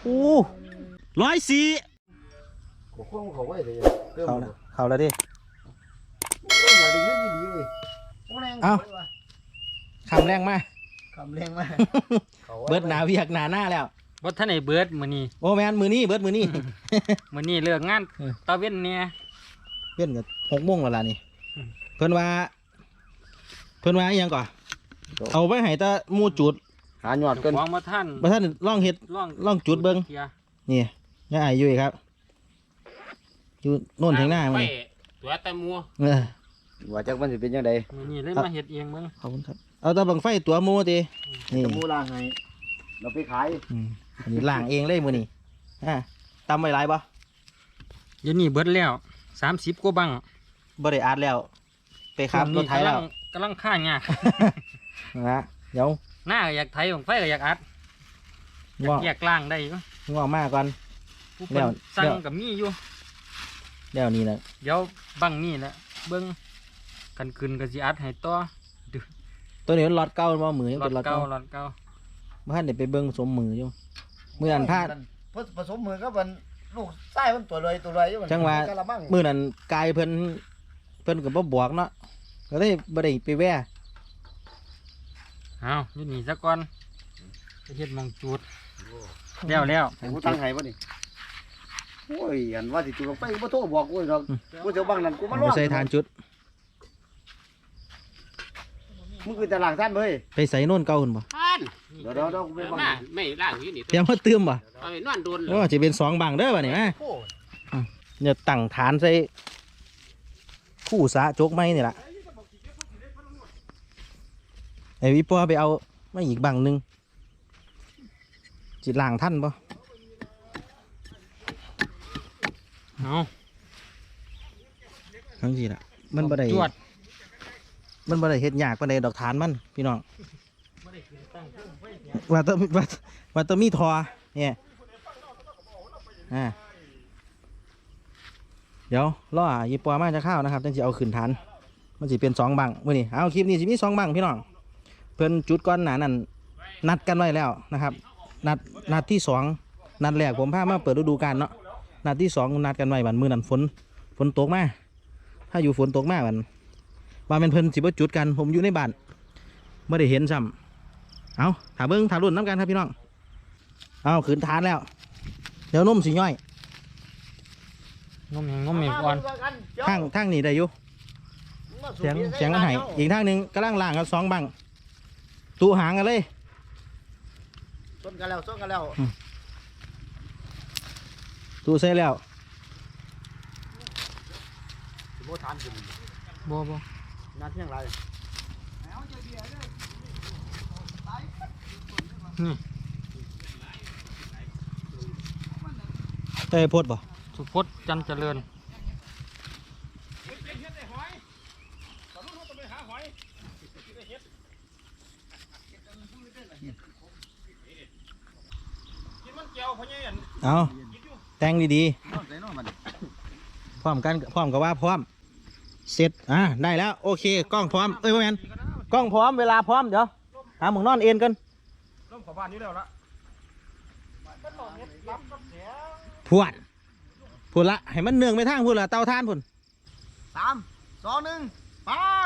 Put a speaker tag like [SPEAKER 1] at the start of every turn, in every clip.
[SPEAKER 1] อู้104
[SPEAKER 2] เขาไว้เลย
[SPEAKER 1] เขาแล้วดิ
[SPEAKER 2] อย่าดึงนิดดีเลย
[SPEAKER 1] เอ้าคำแรงมาก
[SPEAKER 2] คำแรงมาก
[SPEAKER 1] เบิดหนาเวียกหนาแล้ว
[SPEAKER 3] บ่ท่านไอ้เบิดมื้อนี้
[SPEAKER 1] โอ้แมนมือนี้เบิดมือนี้
[SPEAKER 3] มื้อนี้เลิกงานตะเว้นเนี่ย
[SPEAKER 1] เว้นกับ6 โมงแล้วล่ะนี่เพิ่นว่าอีหยังก่อนเอาไปให้ตาหมู่จุด
[SPEAKER 2] หาหยอดกัน
[SPEAKER 3] ของมาท่าน
[SPEAKER 1] ลองเฮ็ดลองจุดเบิ่งนี่ย่าอ้ายอยู่ครับอยู่โน่นถึงหน้ามื้อ
[SPEAKER 4] ตัวตะมัว
[SPEAKER 2] ว่าจักมันสิเป็นยังไง
[SPEAKER 3] มื้อนี้เลยมาเฮ็ดเองเบิ่ง
[SPEAKER 1] ขอบคุณครับเอาตาบังไฟตัวหมู่ตินี่
[SPEAKER 2] ตะมูล่างให้เราไปขาย
[SPEAKER 1] อันนี้ล้างเองเลยมื้อนี้ตำไว้หลายบ่
[SPEAKER 3] เดี๋ยวนี้เบิดแล้ว30กว่าบัง
[SPEAKER 1] บ่ได้อัดแล้วไปขับรถไถแล้ว
[SPEAKER 3] กำลังข้างยาก
[SPEAKER 1] นะเดี๋ยว
[SPEAKER 3] หน้าก็อยากไถของไฟก็อยากอัดแยกล่างได้อยู่
[SPEAKER 1] งอกมาก่อน
[SPEAKER 3] ผู้เพิ่นสั่งก็มีอยู่
[SPEAKER 1] เดี๋ยวนี้นะ
[SPEAKER 3] เดี๋ยวบังนี่แหละเบิ่งกันขึ้นก็สิอัดให้ต่อ
[SPEAKER 1] ตัวนี้มันล็อตเก่าบ่มือยังเป็น
[SPEAKER 3] ล็
[SPEAKER 1] ล็อตเก่าบ่ทันได้ไปเบิ่งสมมืออยู่มื้อนั้นพลาด
[SPEAKER 2] ผสมมือก็มันลูกไส้มันตัวเลยอยู่
[SPEAKER 1] จังว่ามื้อนั้นกายเพิ่นก็บ่บอกเนาะก็เลยบ่ได้ไปแว่
[SPEAKER 3] เอาอยู่นี่ซะก่อนไปเฮ็ดมองจูดแล้ว
[SPEAKER 2] กูตั้งให้บ่นี่โอ้ยอันว่าสิจุดลงไปบ่โทรบอกกูดอกกูจะบังนั่นกูมาล้อ
[SPEAKER 1] ใส่ทานจุด
[SPEAKER 2] มึงคือตลาดท่านเว้ย
[SPEAKER 1] ไปใส่โน่นเก่าหุ่นบ่
[SPEAKER 2] เดี๋ยวกูไปบัง
[SPEAKER 4] ไม่ล่างอยู่นี่
[SPEAKER 1] เตรียมมาเติมบ่
[SPEAKER 4] เอาไปนอนโดน
[SPEAKER 1] โอ้จะเป็น2 บังเด้อบัดนี้มาเนี่ยตั้งฐานใส่คู่สะจกไม้นี่ล่ะไอ้วิปอไปเอาไม่อีกบังหนึ่งจิตล่างท่านปะ
[SPEAKER 3] เอา
[SPEAKER 1] ทั้งสิล่ะมันบ่ได้เฮ็ดยากปานใดดอกฐานมันพี่น้องว่าต้องมีทอเนี่ยเดี๋ยวรอยิปอมาจะเข้านะครับต้องจะเอาขึ้นฐานมันสิเป็น2 บังมื้อนี้เอาคลิปนี้สิมี2 บังพี่น้องเพิ่นจุดก้อนหนานั่นนัดกันไว้แล้วนะครับนัดที่2นัดแรกผมพามาเปิดฤดูกาลเนาะนัดที่2นัดกันไว้บัดมื้อนั้นฝนตกมาถ้าอยู่ฝนตกมาบัดว่าเป็นเพิ่นสิบ่จุดกันผมอยู่ในบ้านไม่ได้เห็นซ้ำเอาถาเบิ้งถารุ่นน้ำกันครับพี่น้องเอาขืนทานแล้วเดี๋ยวนุ่มสิย่อย
[SPEAKER 3] งมอีกก่อน
[SPEAKER 1] ทางนี่ได้อยู่เสียงมันหายอีกทางหนึ่งกำลังล่างกับ2 บังตูหางกันเลย
[SPEAKER 2] ส้นกันแล้ว
[SPEAKER 1] ตูใส่แล้ว
[SPEAKER 2] โบทานกิน
[SPEAKER 3] บ่
[SPEAKER 2] นัดยังไร
[SPEAKER 3] นี่
[SPEAKER 1] เต้พดบ่
[SPEAKER 3] สุพจน์จันเจริญ
[SPEAKER 1] เอาแต่งดีๆพร้อมกับว่าพร้อมเสร็จได้แล้วโอเคกล้องพร้อมพ่อแมนกล้องพร้อมเวลาพร้อมเดี๋ยวหาหมึงนอนเอ็นกัน
[SPEAKER 2] ร่มขอบ้านนี้แล้วละ
[SPEAKER 1] พวดละให้มันเนื่องไปทางพูดละเตาท่านพุ่น
[SPEAKER 2] 3 2 1ไป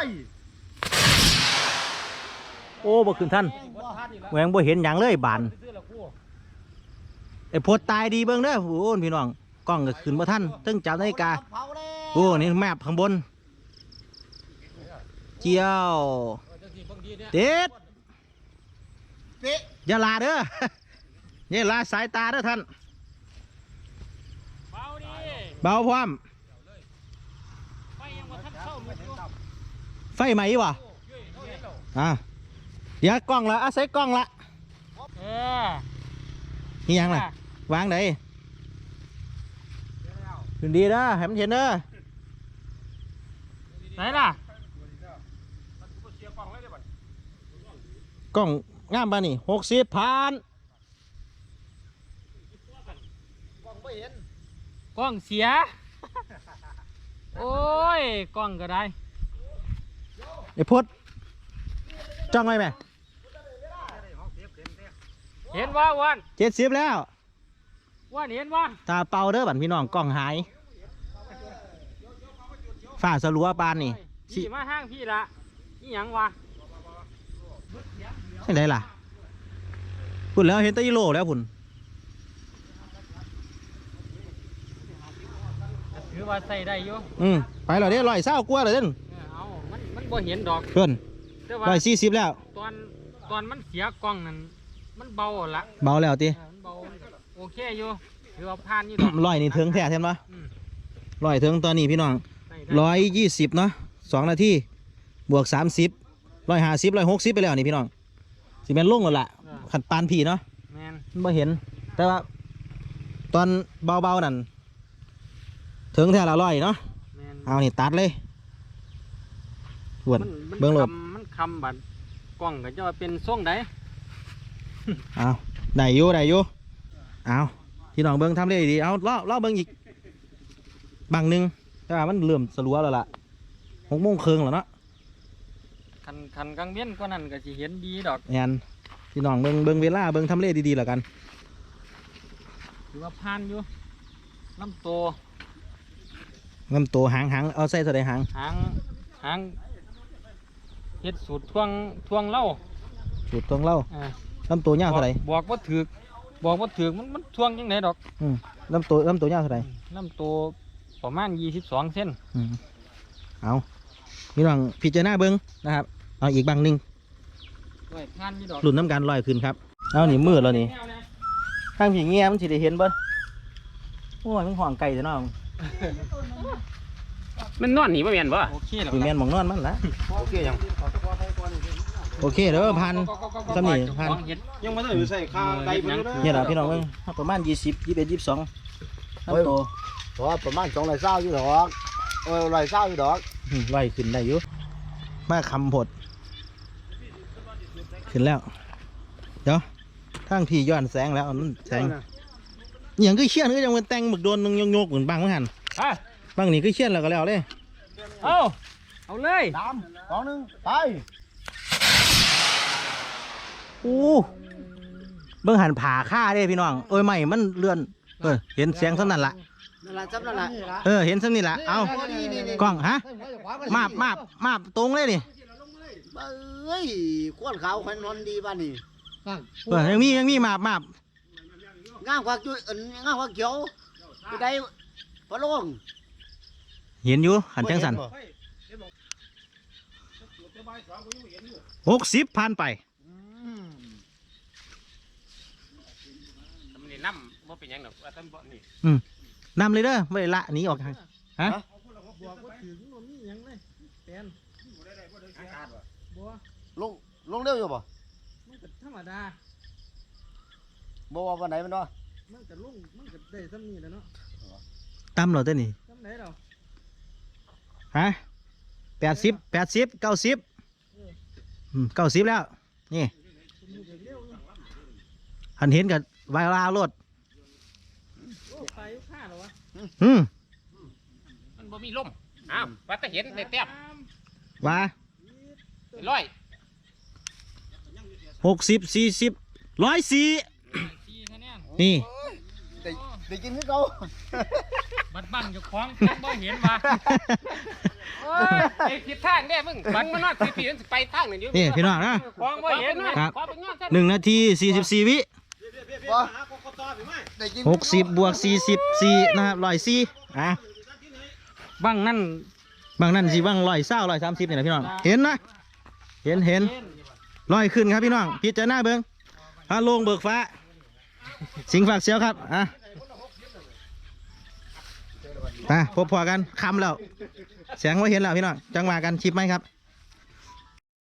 [SPEAKER 1] โอ้บ่ขึ้นท่านแหวงบ่เห็นอย่างเลยบานไอ้พดตายดีเบิ่งเด้อโอ้พี่น้องกล้องก็ขึ้นบ่ท่านตึ้งจับนาฬิกาโอ้นี่แมพข้างบนเจียวเด็ดอย่าลาเด้ออย่าลาสายตาเด้อท่านเบาพร้อมไฟไหมวะเดี๋ยวกล้องละใส่กล้องละนี่ยังล่ะวางไหนดูดีนะให้มันเห็นเด้อ
[SPEAKER 3] ไหนล่ะ
[SPEAKER 1] กล้องงามป่ะนี่60ผ่าน
[SPEAKER 3] กล้องเสียโอ้ยกล้องก็ได้
[SPEAKER 1] ไอ้พดจ้องไว้ไหม
[SPEAKER 3] เห็นว่าวัน
[SPEAKER 1] 70แล้ว
[SPEAKER 3] ว่าเห็นว่า
[SPEAKER 1] ตาเป่าเด้อบัดพี่น้องกล้องหายฝ้าสลัวปานนี่
[SPEAKER 3] พี่มาห้างพี่ละนี่หยังวะ
[SPEAKER 1] ใช่ไหมล่ะพุ่นแล้วเห็นแตะยิโลแล้วพุ่น
[SPEAKER 3] ถือว่าใส่ได้อยู่
[SPEAKER 1] ไปแล้วเด้120กว่าเลยเด้น
[SPEAKER 3] เอามันบ่เห็นดอก
[SPEAKER 1] เพิ่น
[SPEAKER 3] แต่ว่า
[SPEAKER 1] 140แล้ว
[SPEAKER 3] ตอนมันเสียกล้องนั่นมันเบาละ
[SPEAKER 1] เบาแล้วติ
[SPEAKER 3] มันเบาโอเคอยู่ถือว่าผ่านอยู่ดอก
[SPEAKER 1] ร้อยนี่ถึงแท้เห็นปะ
[SPEAKER 3] อืม
[SPEAKER 1] ร้อยถึงตอนนี้พี่น้อง
[SPEAKER 3] ได้ได้
[SPEAKER 1] 120เนาะ2 นาทีบวก30 150 160ไปแล้วนี่พี่น้องสิแม่นลงแล้วล่ะขัดปานผีเนาะ
[SPEAKER 3] แมน
[SPEAKER 1] มันบ่เห็น แต่ว่า ตอนเบาๆนั่นถึงแท้ละร้อยเนาะ
[SPEAKER 3] แมน
[SPEAKER 1] เอานี่ตัดเลยหวนเบิ่งโลด
[SPEAKER 3] มันคำบัดกล้องก็จะว่าเป็นทรงใด
[SPEAKER 1] เอาได้อยู่เอาพี่น้องเบิ่งทำได้ดีเอาล่อเบิ่งอีกบางหนึงแต่ว่ามันเริ่มสลัวแล้วล่ะ6:30แล้วเนาะ
[SPEAKER 3] คันกลางเวียนก็นั่นก็สิเห็นดีดอก
[SPEAKER 1] แอนพี่น้องเบิ่งเวลาเบิ่งทำเลดีๆแล้วกัน
[SPEAKER 3] ถือว่าผ่านอยู่ลำโต
[SPEAKER 1] เงินโตหางเอาใส่เท่าใดหาง
[SPEAKER 3] หางเฮ็ดสูตรทวงเหล้า
[SPEAKER 1] สูตรตรงเล่า
[SPEAKER 3] อ่า
[SPEAKER 1] ลำตัวยาวเท่าใด
[SPEAKER 3] บอกว่าถือกมันทวงยังไงดอก
[SPEAKER 1] ลำตัวยาวเท่าใด
[SPEAKER 3] ลำโตประมาณ22 เซน
[SPEAKER 1] เอาพี่น้องพิจารณาเบิ่งนะครับเอาอีกบางหนึง
[SPEAKER 3] ไว้ผ่านอยู่ดอก
[SPEAKER 1] หลุนน้ำกันลอยขึ้นครับเอานี่มืดแล้วนี่ข้างผีเงี้ยมันสิได้เห็นเบิ้โอ้ยมันห่วงไก่ซะเนาะ
[SPEAKER 4] มันนอนหนีบ่แม่นบ่
[SPEAKER 3] โอเคแล้ว
[SPEAKER 1] ผีแมนหมองนอนมันละ
[SPEAKER 2] โอเคยัง
[SPEAKER 1] โอเคเด้อพันสำนี่พัน
[SPEAKER 2] ยังไม่ได้อยู่ใส่ข้าวไก่ไปเลย
[SPEAKER 1] เนี่ยล่ะพี่น้องเบิ่งประมาณ20 21 22ลำโต
[SPEAKER 2] เพราะประมาณ220อยู่ดอก120อยู่ดอก
[SPEAKER 1] ลอยขึ้นได้อยู่มาคำผดขึ้นแล้วเดี๋ยวทางพี่ย้อนแสงแล้วมันแสงอย่างก็เชี่ยนก็ยังเป็นแต่งหมึกโดนนึงโยกเหมือนบางเหมือนกัน
[SPEAKER 3] ไป
[SPEAKER 1] บางนี่ก็เชี่ยนแล้วก็แล้วเลย
[SPEAKER 3] เอาเลย
[SPEAKER 2] 3 2 1ไป
[SPEAKER 1] โอ้เบิ่งหันผ่าค่าเด้พี่น้องเอ้ยไม่มันเลื่อนเห็นเสียงสำนั่นละ
[SPEAKER 2] นั่นล่ะจับนั่นล่ะ
[SPEAKER 1] เห็นสำนี่ละเอากล้องฮะมาบตรงเลยนี่
[SPEAKER 2] เอ้ยควนขาวควันนอนดีบ้านนี่
[SPEAKER 1] ยังมีมาบ
[SPEAKER 2] งามกว่าจุ้ยงามกว่าเขียวจะได้พะโลง
[SPEAKER 1] เห็นอยู่หันจังสัน60ผ่านไป
[SPEAKER 4] มันนี่น้ำบ่เป็นหยังดอกว่าต้นบ่นี่
[SPEAKER 1] นำเลยเด้อไม่ได้ละหนีออกทางฮะ
[SPEAKER 3] บอกว่าถือมันมีหยังเลยแปนบัว
[SPEAKER 2] ลงเร็วอยู่ป่ะ
[SPEAKER 3] มันก็ธรรมดา
[SPEAKER 2] บ่ว่าวันไหนมันเนาะ
[SPEAKER 3] มันก็ลงมันก็ได้ซ้ำนี่แหล้วเนาะ
[SPEAKER 1] ตำเหรอเต้นนี่
[SPEAKER 3] ซ้ำไหนเรา
[SPEAKER 1] ฮะ80 90 90แล้วนี่
[SPEAKER 3] ผมอยู่เร็วๆอยู่
[SPEAKER 1] หันเห็นกับไวลาโลด
[SPEAKER 3] โอ้ไปอยู่ข้าเหรอวะ
[SPEAKER 4] มันบ่มีลมอ้าวว่าแต่เห็นได้แต้ม
[SPEAKER 1] ว่า
[SPEAKER 4] ร้อย
[SPEAKER 1] 60 40 104
[SPEAKER 3] 4คะแนน
[SPEAKER 1] นี่
[SPEAKER 2] ได้กินคือเก่า
[SPEAKER 3] บัดบังอยู่คล้องบ่เห็นว่ะ
[SPEAKER 4] โอ้ยไอ้ผิดทางเด้มึงมันนอนปีๆมันสิไปทางนั่นอยู่
[SPEAKER 1] นี่พี่น้องนะ
[SPEAKER 3] คล้องบ่เห็น
[SPEAKER 1] ครับ
[SPEAKER 4] ขอไปนอนซะ
[SPEAKER 1] 1 นาที 44 วิ
[SPEAKER 2] บ่ได้กิน
[SPEAKER 1] 60 บวก 44นะครับ104
[SPEAKER 3] บังนั่น
[SPEAKER 1] บางนั่นสิบาง120 130นี่แหละพี่น้องเห็นนะเห็นลอยขึ้นครับพี่น้องพิจารณาเบิ่งฮาโลงเบิกฟ้า สิงฝากเสียวครับพบพอกันคำแล้วแสงว่าเห็นแล้วพี่น้องจังหวะกันชิปไหมครับ